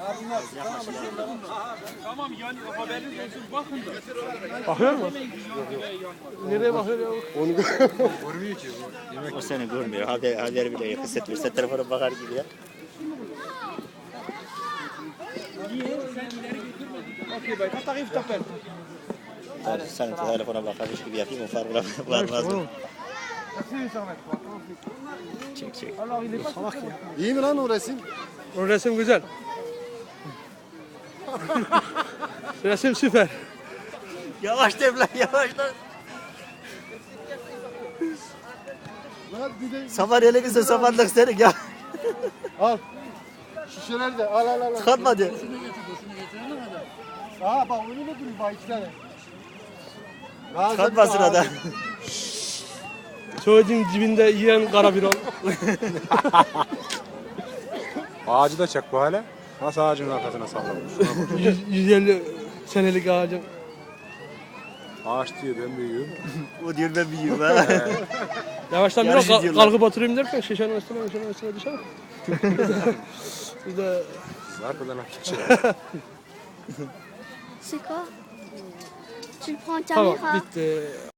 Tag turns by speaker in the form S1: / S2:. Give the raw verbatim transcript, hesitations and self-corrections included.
S1: Tamam yani haberiniz olsun bakın da.
S2: Bakıyor mu? Nereye bakıyor ya?
S3: Onu
S4: Görmüyor ki.
S5: O seni görmüyor. Haber, haber bile yok. Hissetmiyor. Sen telefona bakar gibi ya.
S1: Okey bay. Hatta if tapel.
S5: Yani sen telefona bakarmış gibi yapayım. O farkına varmaz mı? Çek çek.
S2: Salak ya.
S3: iyi mi lan o resim?
S2: O resim güzel. Resim süper.
S5: Yavaş devler yavaş lan.
S3: Lan bir de
S5: Saman elimizde samanlık senin ya.
S3: al. Şişeler de al al al.
S5: Tıkanma hadi.
S3: Aa bak önüne duruyor bak iki tane.
S5: Tıkanma sırada.
S2: Çocuğun dibinde yiyen kara bir ol.
S4: Ağacı da çek bu hale. Nasıl ağacın arkasına sallamış.
S2: yüz elli senelik ağacın.
S4: Ağaç diyor ben büyüğüm.
S5: O diyor ben büyüğüm ha.
S2: Yavaştan biraz
S5: Yarışı
S2: kal-
S5: diyorlar.
S2: kalkıp oturayım derken şişenin üstüne şişenin üstüne düşer. Bir de
S4: Zarfından atacak.
S6: C'est quoi? Tu le prends en
S2: tamam
S6: caméra?
S2: bitti.